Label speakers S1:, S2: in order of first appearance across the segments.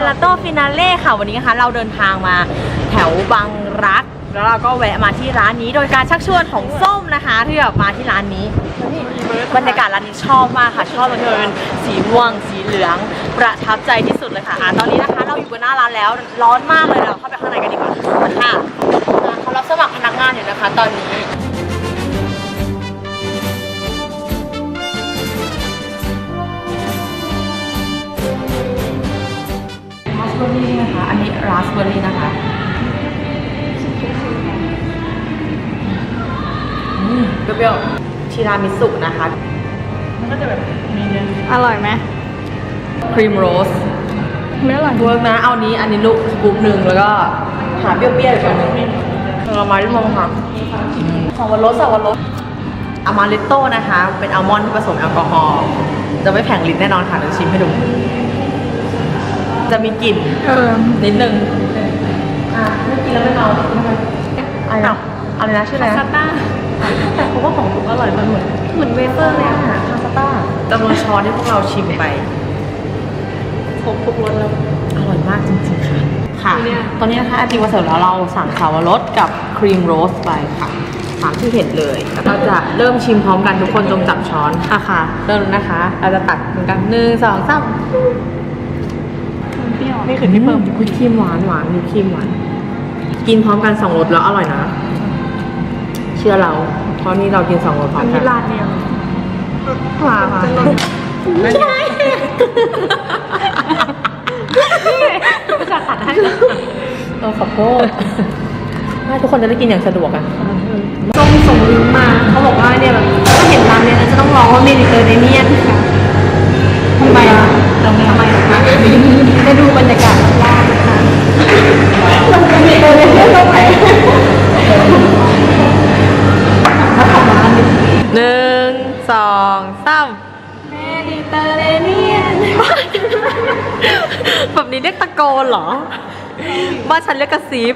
S1: ลาโต้ฟินาเล่ค่ะวันนี้นะคะเราเดินทางมาแถวบางรักแล้วเราก็แวะมาที่ร้านนี้โดยการชักชวนของส้มนะคะที่แบบมาที่ร้านนี้บรรยากาศร้านนี้ชอบมากค่ะชอบมันเป็นสีม่วงสีเหลืองประทับใจที่สุดเลยค่ะตอนนี้นะคะเราอยู่บนหน้าร้านแล้วร้อนมากเลยเราเข้าไปข้างในกันดีกว่าค่ะเขารับสมัครพนักงานอยู่นะคะตอนนี้ราสเบอร์รี่นะคะอันนี้ราสเบอร์รี่นะคะเปรี้ยวๆทีรามิสุนะคะมันก็จะแบบมีเนื้อ
S2: อร่อยไหม
S1: ครีมโรส
S2: ไม่อร่อย
S1: เวิร์กนะเอานี้อันนี้ลูกสกู๊ปหนึ่งแล้วก็หาเปรี้ยวๆอีกอันหนึ่งเรามาที่มองค่ะสวรสอามาริโต้นะคะเป็นอัลมอนด์ที่ผสมแอลกอฮอล์จะไม่แผงลิ้นแน่นอนค่ะเดี๋ยวชิมให้ดูจะมีกลิ่นนิดนึงไม่กินแล้วไม่เอาอะไรนะชื่ออะไร
S2: พาสต้า
S1: แต่เขาว่าของถูกอร่อยมันเหมือนเวเฟอร์เลยค่ะพาสต้าจำนวนช้อนที่พวกเราชิมไปครบทุกรสแล้วอร่อยมากจริงๆค่ะตอนนี้นะคะไอติมมาเสิร์ฟแล้วเราสั่งสาวรสกับครีมโรสไปค่ะตามที่เห็นเลยแล้วเราจะเริ่มชิมพร้อมกันทุกคนจงจับช้อนค่ะเริ่มนะคะเราจะตักเหมือนกัน1 2 3นี่คือที่เพิ่มวิปครีมหวานวิปครีมหวานกินพร้อมกัน2รสแล้วอร่อยนะเชื่อเราเพราะนี่เรากิน2รสพร้อมกันร้านเดียวค่ะไม่ใช่จะตัดให้ขอโทษให้ทุกคนจะได้กินอย่างสะดวกอ่ะ
S2: ส่งลิงก์มาเขาบอกว่าเนี่ยแบบถ้าเห็นร้านเนี้ยจะต้องร้องว่าเมดิเตอร์เรเนียนค่ะทำไมอ่ะไปดูบรรยากาศรอบๆนะคะมันเป็นเมดิเตอร์เรเนียนตรงไหน
S1: 1 2 3
S2: เมดิเตอร์เรเนียน
S1: แบบนี้เรียกตะโกนเหรอบ้านฉันเรียกกระซิบ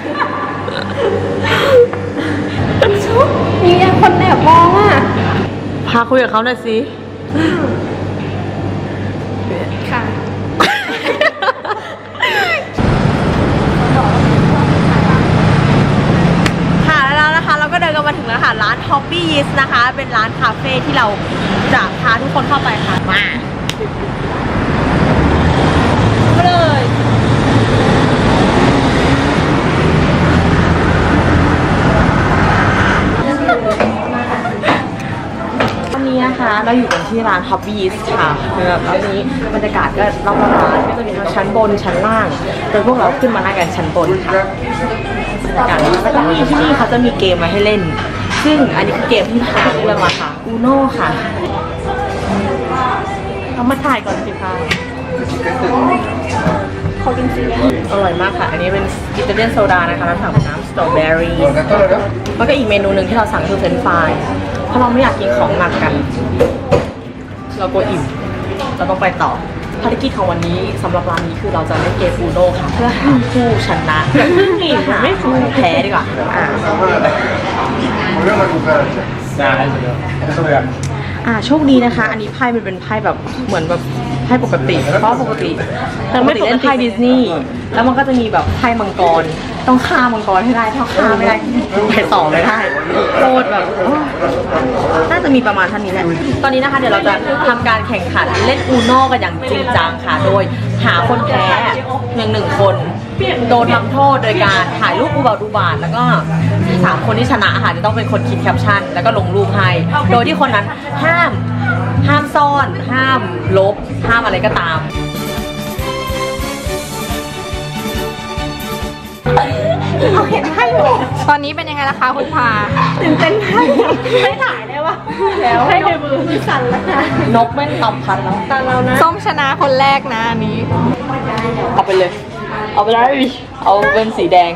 S2: มีคนแอบมองอ่ะ
S1: พาคุยกับเขาหน่อยสิ
S2: ค่ะ
S1: แล้วนะคะเราก็เดินกันมาถึงแล้วค่ะร้าน Hobby Yeast นะคะเป็นร้านคาเฟ่ที่เราจะพาทุกคนเข้าไปค่ะมาเลยตอนนี้นะคะเราอยู่กันที่ร้าน Hobby Yeast ค่ะแล้วนี้บรรยากาศก็รอบร้านก็จะมีทั้งชั้นบนชั้นล่างโดยพวกเราขึ้นมานั่งกันชั้นบนค่ะบรรยากาศนี้แล้วก็มีที่นี่เขาจะมีเกมมาให้เล่นซึ่งอันนี้คือเกมที่พาเรื่องมาค่ะ Uno ค่ะเอามาถ่ายก่อนสิคะขอกินสิอร่อยมากค่ะอันนี้เป็นอิตาเลียนโซดานะคะแล้วสั่งเป็นน้ำสตรอเบอรี่แล้วก็อีกเมนูหนึ่งที่เราสั่งคือเฟรนช์ฟรายเพราะเราไม่อยากกินของหนักกันเรากลัวอิ่มเราต้องไปต่อภารกิจของวันนี้สำหรับร้านนี้คือเราจะเล่นเกมอูโน่ค่ะเพื่อหาผู้ชนะหาผู้แพ้ดีกว่าโชคดีนะคะอันนี้ไพ่มันเป็นไพ่แบบเหมือนแบบไพ่ปกติเพราะปกติเล่นไพ่ดิสนีย์แล้วมันก็จะมีแบบไพ่มังกรต้องฆ่ามังกรให้ได้ถ้าฆ่าไม่ได้ไปต่อไม่ได้โคตรแบบน่าจะมีประมาณเท่านี้แหละตอนนี้นะคะเดี๋ยวเราจะทำการแข่งขันเล่นอูโน่กันอย่างจริงจังค่ะโดยหาคนแพ้1 คนโดนทำโทษโดยการถ่ายรูปอุบาทแล้วก็3 คนที่ชนะค่ะจะต้องเป็นคนคิดแคปชั่นแล้วก็ลงรูปให้โดยที่คนนั้นห้ามซ่อนห้ามลบห้ามอะไรก็ตาม
S2: เอาเห็นให้ตอนนี้เป็นยังไงล่ะคะคุณพาตื่นเต้นมากไม่ถ่ายได้ปะแล้วให้ในมือสั่นแล้วค่ะ
S1: นกแม่งตอบพันแล้ว
S2: ตาเรานะส้มชนะคนแรกนะอันนี้
S1: เอาไปเลยเอาไปเลยเอาเป็นสีแดง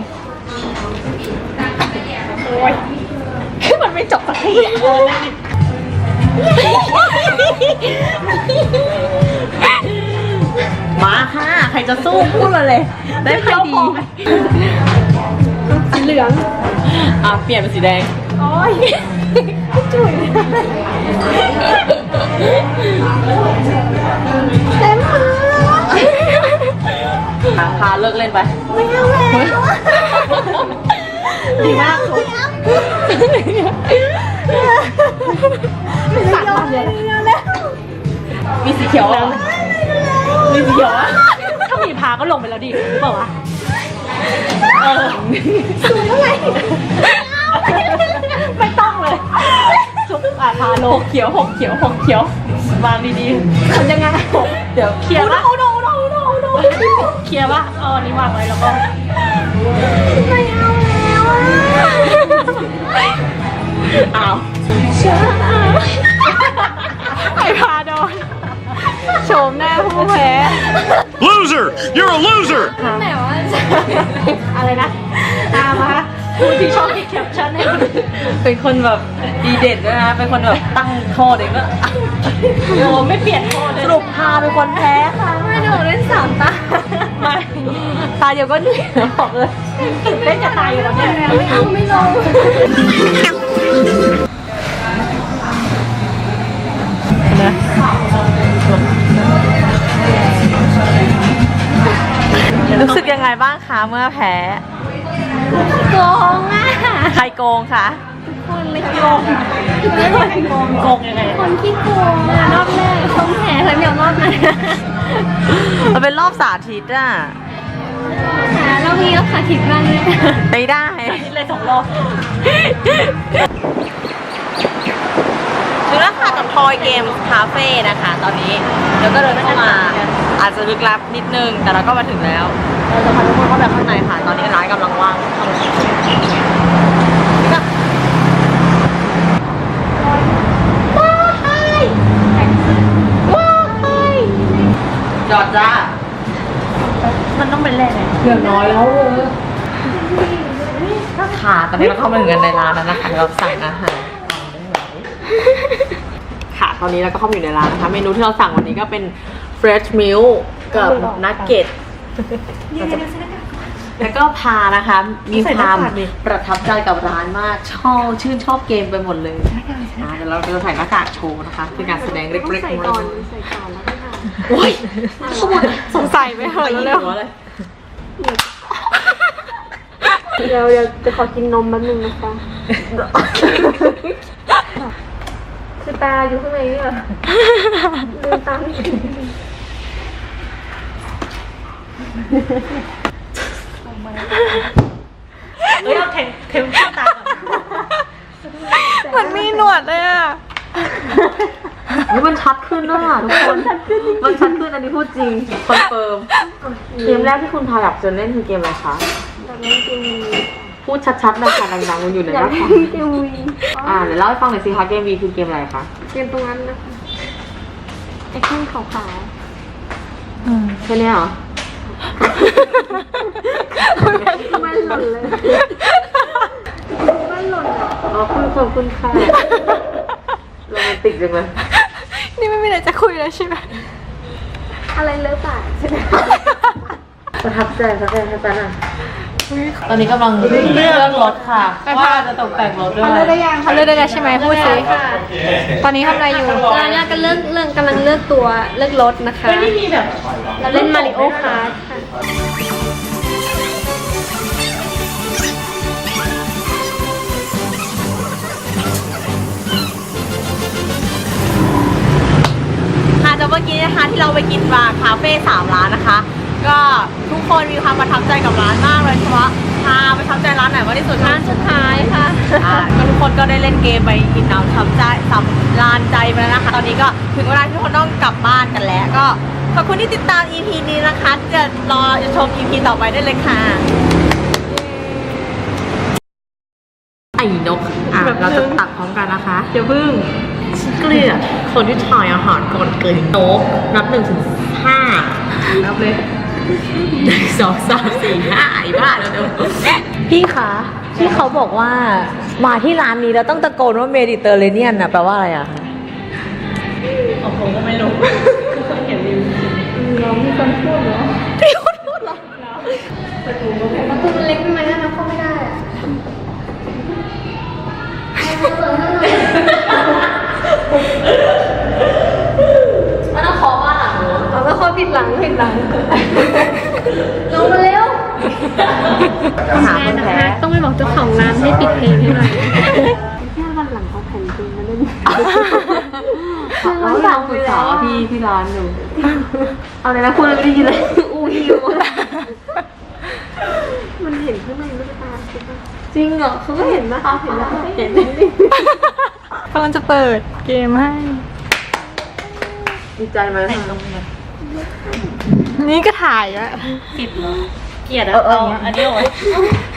S2: คือมันไม่จบสักที
S1: มาค่ะใครจะสู้พูดเลยได้ไพ่ดี
S2: สีเหลือง
S1: เปลี่ยนเป็นสีแดง
S2: โอ้ยจุ๋ยเต็มมือ
S1: พาเลิกเล่นไปไม่เอาแล้วดีมากสั่งมาเลยมีสีเขียวอ่ะมีสีเขียวอ่ะถ้ามีพาก็ลงไปแล้วดิเปล่าวะสูงเท่าไหร่ไม่ต้องเลยชุบพาโลเขียว6เขียว6เขียววางดีๆทำยังไงเดี๋ยวเคลียร์ละเคลียร์ป่ะนี่วางไว้แล้วก็ไม่เอาแล้วอ้าวไอพาโดนโฉมหน้าผู้แพ้
S3: Loser! You're a loser!
S2: ไหนวะ
S1: อะไรนะมาผู้ที่ชอบคิดแคปชั่นให้เป็นคนแบบดีเด่นด้วยนะเป็นคนแบบตั้งโทษเองก็โอ้ไม่เปลี่ยนโทษเลยสรุปพาเป็นคนแพ้ค่ะ
S2: ไม่หนูเล่น3 ตา
S1: ไม่ตาเดียวก็เหนื่อยบอกเลยเล่นจะตายอยู่แล้วเนี่ย
S2: ไม่เอาไม่ลง
S1: รู้สึกยังไงบ้างคะเมื่อแพ้
S2: โกงอ่ะ
S1: ใครโกงคะ
S2: คนเลยโกง
S1: โกงยังไง
S2: คนที่โกงอ่ะรอบแรกต้องแพ้แล้วเดี๋ยวรอบไหน
S1: มันเป็นรอบสาธิตอ่ะ
S2: รอบนี้ก็สาธิตบ้างเลย
S1: ไม่ได้เลย2 รอบถึงแล้วค่ะกับทอยเกมคาเฟ่นะคะ ตอนนี้แล้วก็เดินเข้ามาอาจจะลึกลับนิดนึงแต่เราก็มาถึงแล้วเราจะพาทุกคนเข้าไปข้างในค่ะตอนนี้ร้านกำลังว่างจอดจ้ามันต้องเป็นแรกไงเกือบน้อยแล้วค่ะตอนนี้เราเข้ามาถึงกันในร้านแล้วนะคะเราสั่งอาหารค่ะตอนนี้เราก็เข้ามาอยู่ในร้านนะคะเมนูที่เราสั่งวันนี้ก็เป็น fresh meal กับนักเก็ตแล้วก็พานะคะมีความประทับใจกับร้านมากชื่นชอบเกมไปหมดเลยเดี๋ยวเราจะใส่หน้ากากโชว์นะคะเป็นการแสดงเล็กๆของเราโอ้ยสงสัยไหมเหรอเร็ว
S2: เดี๋ยวจะขอกินนมแป๊บนึงนะคะคือตาอยู่ข้างในนี่เหรอลืมตาไม่ถึง
S1: เอาเทมตาก่อนมันมีหนวดเลยอ่ะมันชัดขึ้นด้วยค่ะทุกคนมันชัดขึ้นอันนี้พูดจริงคอนเฟิร์มเกมแรกที่คุณพาอยากจะเล่นคือเกมอะไรคะพูดชัดๆนะคะดังๆมันอยู่ในหน้าคอม
S2: เกมวี
S1: เดี๋ยวเล่าให้ฟังหน่อยสิคะเกมวีคือเกมอะไรคะ
S2: เกมตรงนั้นนะคะไอ้ข้างขาว
S1: แค่นี้เหรอ
S2: มันหล่นเลยมันหล่น
S1: ขอบคุณค่ะโรแมนติกจังเลย
S2: นี่ไม่มีอะไรจะคุยแล้วใช่ไหมอะไรเลิกปากใช่ไหม
S1: ประทับใจสักแค่นั้นอ่ะตอนนี้กำลังเลือกรถค่ะว่าจะตกแต่งรถด้วย
S2: เขาเลือกได้ยังเขาเลือกได้แล้วใช่ไหมพูดสิตอนนี้ทำอะไรอยู่ตอนนี้กำลังเลือกตัวเลือกรถนะคะ
S1: ไม่มีแบบ
S2: เราเล่นมาริโอคาร์ท
S1: ค่ะแต่เมื่อกี้นะคะที่เราไปกินมาคาเฟ่3 ร้านนะคะ ก็ทุกคนมีความประทับใจกับร้านมากเลยเฉพาะพาประทับใจร้านไหนมากที่สุด
S2: ร้านสุดท้ายค่ะ
S1: ก็ทุกคนก็ได้เล่นเกมไปกินน้ำทำใจสำลานใจไปแล้วนะคะตอนนี้ก็ถึงเวลาที่ทุกคนต้องกลับบ้านกันแล้วก็ขอบคุณที่ติดตาม EP นี้นะคะจะรอชม EP ต่อไปได้เลยค่ะไอ้นกเราจะตัดพร้อมกันนะคะอย่าพึ่งเกลียดคนที่ถ่ายอาหารก่อนเกินโต๊ะนับ1 ถึง 5นับเลย1 2 3 4 5ไอ้บ้าแล้วเดี๋ยวพี่คะที่เขาบอกว่ามาที่ร้านนี้เราต้องตะโกนว่าเมดิเตอร์เรเนียนนะแปลว่าอะไรอะคะผมก็ไม่รู้เห็นรีวิว
S2: เรามีคนพูดเหรอ
S1: พี่คนพูดเหรอ
S2: ประตูมันเล็กไหมนะเข้าไม่ได้
S1: มันต้องเคาะบ้านหลัง
S2: เราก็เคาะผิดหลัง
S1: เราหาคนแพ้
S2: ต้องไปบอกเจ้าของร้านให้ปิดเพลงให้หน่อยแค่วันหลังเขาแผ่นจริงมาเล่น
S1: เราลองปรึกษาที่ร้านดู
S2: เอาเลยนะคุณไม่ได้ยินเลยอู้หิวมันเห็นข้างในลูกตาใช่ปะจริงเหรอเขาก็เห็นนะเห็นแล้วเห็น
S4: กำลังจะเปิดเกมให้
S1: ดีใจไหม
S4: นี่ก็ถ่ายอะ
S5: เกลียดอะเอาอันนี้เอาไว้